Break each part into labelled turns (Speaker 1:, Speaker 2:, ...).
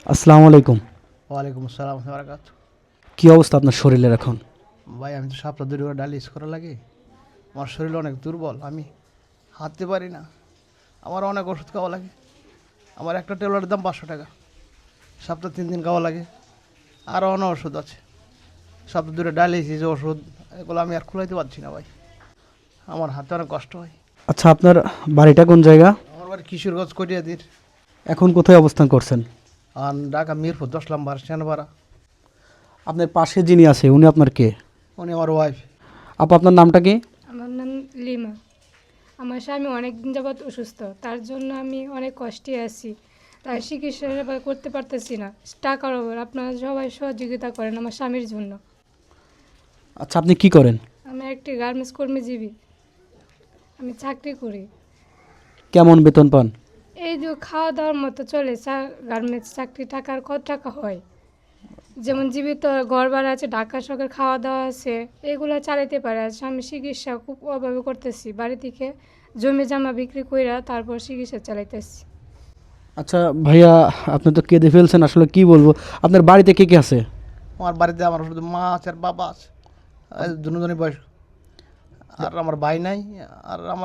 Speaker 1: আসসালামু আলাইকুম।
Speaker 2: ওয়ালাইকুম আসসালাম বারাকাত।
Speaker 1: কি অবস্থা আপনার শরীরের এখন?
Speaker 2: ভাই আমি তো সপ্তাহ 2 করে ডায়ালিসিস করা লাগে। আমার শরীর অনেক দুর্বল, আমি হাঁটতে পারি না। আমার অনেক ওষুধ খাওয়া লাগে। আমার একটা ট্যাবলেটের দাম 500 টাকা। সপ্তাহে 3 দিন খাওয়া লাগে। আরও অনেক ওষুধ আছে। সপ্তাহ 2 ডায়ালিসিস ওষুধ, এগুলো আমি আর খুলাইতে পারছি না ভাই। আমার হাতে অনেক কষ্ট হয়।
Speaker 1: আচ্ছা, আপনার বাড়িটা কোন জায়গা?
Speaker 2: আমার বাড়ি কিশোরগঞ্জ কটিয়াদির।
Speaker 1: এখন কোথায় অবস্থান করছেন?
Speaker 2: আর ঢাকা মিরপুর 10 নম্বর সেনপাড়া।
Speaker 1: আপনার পাশে যিনি আছে উনি আপনার কে?
Speaker 2: উনি আমার ওয়াইফ।
Speaker 1: আপু, আপনার নামটা কি?
Speaker 3: আমার নাম লিমা। আমার স্বামী অনেক দিন যাবৎ অসুস্থ, তার জন্য আমি অনেক কষ্টে আছি। তাই চিকিৎসা করতে পারতেছি না, টাকার অভাব। আপনারা সবাই সহযোগিতা করেন আমার স্বামীর জন্য।
Speaker 1: আচ্ছা, আপনি কি করেন?
Speaker 3: আমি একটি গার্মেন্টস কর্মীজীবী, আমি চাকরি করি।
Speaker 1: কেমন বেতন পান?
Speaker 3: এই যে খাওয়া দাওয়ার মতো চলে। গার্মেন্টস চাকরি টাকার কত টাকা হয়? যেমন জীবিত ঘর ভাড়া আছে, ঢাকা শহরের খাওয়া দাওয়া আছে, এগুলো চালাতে পারে। আর আমি চিকিৎসা খুব অভাবে করতেছি, বাড়ি থেকে জমি জামা বিক্রি কইরা তারপর চিকিৎসা চালাইতেছি।
Speaker 1: আচ্ছা ভাইয়া, আপনি তো কেঁদে ফেলছেন, আসলে কি বলবো। আপনার বাড়িতে কে কে আছে?
Speaker 2: আমার বাড়িতে আমার শুধু মা আছে আর বাবা আছে, দুজনই বয়স। আর আমার ভাই নাই। আর আমার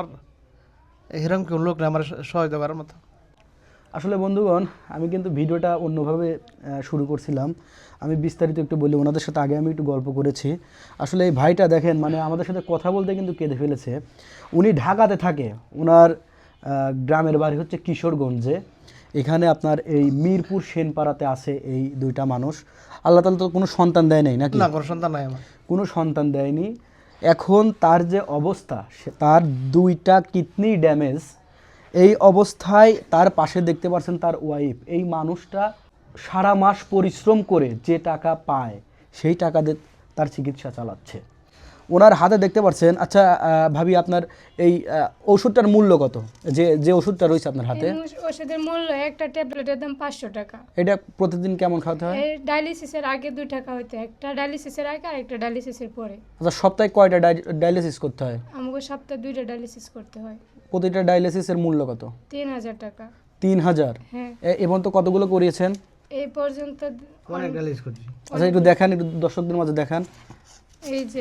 Speaker 2: এরকম কেউ লোক নেই আমার সহায়তা করার মতো।
Speaker 1: আসলে বন্ধুগণ, আমি কিন্তু ভিডিওটা অন্যভাবে শুরু করছিলাম। আমি বিস্তারিত একটু বলি, ওনাদের সাথে আগে আমি একটু গল্প করেছি। আসলে এই ভাইটা দেখেন, মানে আমাদের সাথে কথা বলতে কিন্তু কেঁদে ফেলেছে। উনি ঢাকাতে থাকে, ওনার গ্রামের বাড়ি হচ্ছে কিশোরগঞ্জে। এখানে আপনার এই মিরপুর সেনপাড়াতে আছে এই দুইটা মানুষ। আল্লাহ তাআলা তো কোনো সন্তান দেয় নাই নাকি?
Speaker 2: না, কোনো সন্তান নাই আমার।
Speaker 1: কোনো সন্তান দেয়নি। এখন তার যে অবস্থা, তার দুইটা কিডনি ড্যামেজ। এই অবস্থায় তার পাশে দেখতে পাচ্ছেন তার ওয়াইফ। এই মানুষটা সারা মাস পরিশ্রম করে যে টাকা পায় সেই টাকা দিয়ে তার চিকিৎসা চালাচ্ছে। ওনার হাতে দেখতে পাচ্ছেন। আচ্ছা ভাবি, আপনার এই ওষুধটার মূল্য কত? যে যে ওষুধটা রয়েছে আপনার হাতে,
Speaker 3: ওষুধের মূল্য একটা ট্যাবলেটের দাম 500 টাকা।
Speaker 1: এটা প্রতিদিন কেমন খাওয়াতে হয়?
Speaker 3: এই ডায়ালিসিসের আগে 2 টাকা হইতো, একটা ডায়ালিসিসের আগে আর একটা ডায়ালিসিসের পরে।
Speaker 1: আচ্ছা, সপ্তাহে কয়টা ডায়ালিসিস করতে হয়?
Speaker 3: আমাকে সপ্তাহে 2টা ডায়ালিসিস করতে হয়।
Speaker 1: প্রতিটা ডায়ালিসিসের মূল্য কত?
Speaker 3: 3000 টাকা।
Speaker 1: 3000?
Speaker 3: হ্যাঁ,
Speaker 1: এবং তো কতগুলো করিয়েছেন?
Speaker 3: এই পর্যন্ত
Speaker 2: অনেক ডায়ালিসিস করছি।
Speaker 1: আচ্ছা, একটু দেখান, একটু দর্শকদের মাঝে দেখান।
Speaker 3: এই যে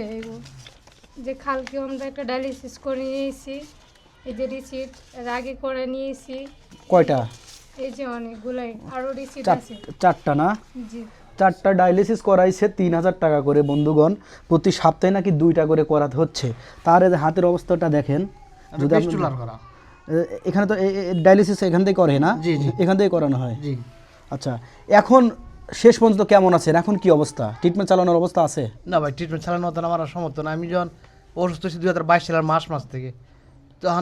Speaker 3: যে কালকে আমরা একটা ডায়ালিসিস করে নিয়েছি, এই যে রিসিট এর আগে করে নিয়েছি।
Speaker 1: কয়টা?
Speaker 3: এই যে অনেকগুলাই আরো রিসিট আছে।
Speaker 1: চারটা না?
Speaker 3: জি।
Speaker 1: 4টা ডায়ালিসিস করাইছে 3000 টাকা করে। বন্ধুগণ, প্রতি সপ্তাহে নাকি 2টা করে করাতে হচ্ছে। তার এই যে হাতের অবস্থাটা দেখেন। যদি আপনি
Speaker 2: পেস্টুলার করা।
Speaker 1: এখানে তো ডায়ালিসিস এখান থেকে করে না?
Speaker 2: জি, জি।
Speaker 1: এখান থেকে করানো হয়।
Speaker 2: জি।
Speaker 1: আচ্ছা, এখন শেষ পর্যন্ত কেমন আছেন? এখন কি অবস্থা? ট্রিটমেন্ট চালানোর অবস্থা আছে?
Speaker 2: না ভাই, ট্রিটমেন্ট চালানো হতো না, আমার আর সমর্থ না। আমি যখন অসুস্থ হয়েছি 2022 সালের মাস থেকে, তখন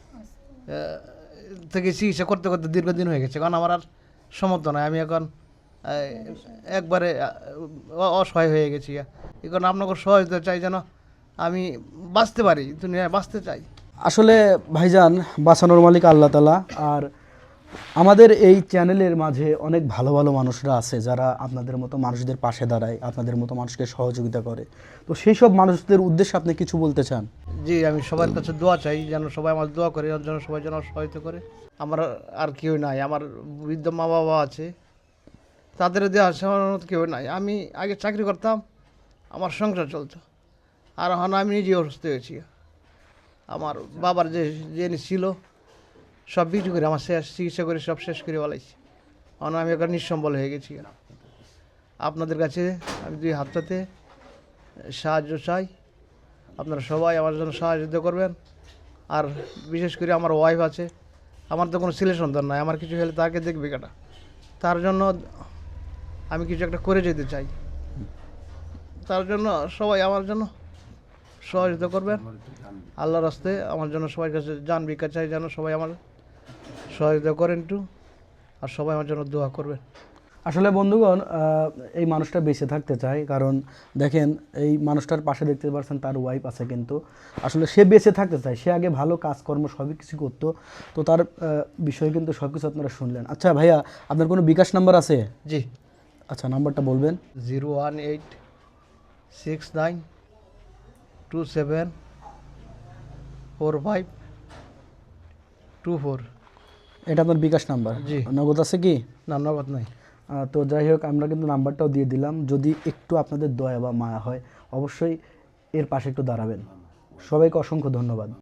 Speaker 2: থেকে চিকিৎসা করতে করতে দীর্ঘদিন হয়ে গেছে। কারণ আমার আর সমর্থ নয়। আমি এখন একবারে অসহায় হয়ে গেছি। এখন আপনাকে সহায়তা চাই যেন আমি বাঁচতে পারি, দুনিয়ায় বাঁচতে চাই।
Speaker 1: আসলে ভাইজান, বাঁচানোর মালিক আল্লাহ তাআলা। আর আমাদের এই চ্যানেলের মাঝে অনেক ভালো ভালো মানুষরা আছে যারা আপনাদের মতো মানুষদের পাশে দাঁড়ায়, আপনাদের মতো মানুষকে সহযোগিতা করে। তো সেই সব মানুষদের উদ্দেশ্যে আপনি কিছু বলতে চান?
Speaker 2: জি, আমি সবার কাছে দোয়া চাই যেন সবাই আমার দোয়া করে, ওর জন্য সবাই যেন সহায়তা করে। আমার আর কেউ নাই। আমার বৃদ্ধ মা বাবা আছে, তাদের দেওয়া সামান্য কেউ নাই। আমি আগে চাকরি করতাম, আমার সংসার চলতো। আর এখন আমি নিজে অসুস্থ হয়েছি। আমার বাবার যে জিনিস ছিল সব বিক্রি করে আমার শেষ চিকিৎসা করে সব শেষ করে বলাইছি। এখন আমি এখন নিঃসম্বল হয়ে গেছি। আপনাদের কাছে আমি 2 হাতটাতে সাহায্য চাই। আপনারা সবাই আমার জন্য সাহায্য করবেন। আর বিশেষ করে আমার ওয়াইফ আছে, আমার তো কোনো ছেলে সন্তান নাই। আমার কিছু হলে তাকে দেখবে কাটা। তার জন্য আমি কিছু একটা করে যেতে চাই। তার জন্য সবাই আমার জন্য সহযোগিতা করবেন। আল্লাহর রাস্তে আমার জন্য সবার কাছে জান ভিক্ষা চাই, যেন সবাই আমার সহযোগিতা করেন একটু। আর সবাই আমার জন্য দোয়া করবেন।
Speaker 1: আসলে বন্ধুগণ, এই মানুষটা বেঁচে থাকতে চায়, কারণ দেখেন এই মানুষটার পাশে দেখতে পাচ্ছেন তার ওয়াইফ আছে, কিন্তু আসলে সে বেঁচে থাকতে চায়। সে আগে ভালো কাজকর্ম সবই কিছু করতো। তো তার বিষয়ে কিন্তু সব কিছু আপনারা শুনলেন। আচ্ছা ভাইয়া, আপনার কোনো বিকাশ নাম্বার আছে?
Speaker 2: জি।
Speaker 1: আচ্ছা, নাম্বারটা বলবেন।
Speaker 2: 01869274524।
Speaker 1: এটা আপনার বিকাশ নাম্বার?
Speaker 2: জি।
Speaker 1: নগদ আছে কি?
Speaker 2: না, নগদ নাই।
Speaker 1: তো যাই হোক, আমরা কিন্তু নাম্বারটাও দিয়ে দিলাম, যদি একটু আপনাদের দয়া বা মায়া হয় অবশ্যই এর পাশে একটু দাঁড়াবেন। সবাইকে অসংখ্য ধন্যবাদ।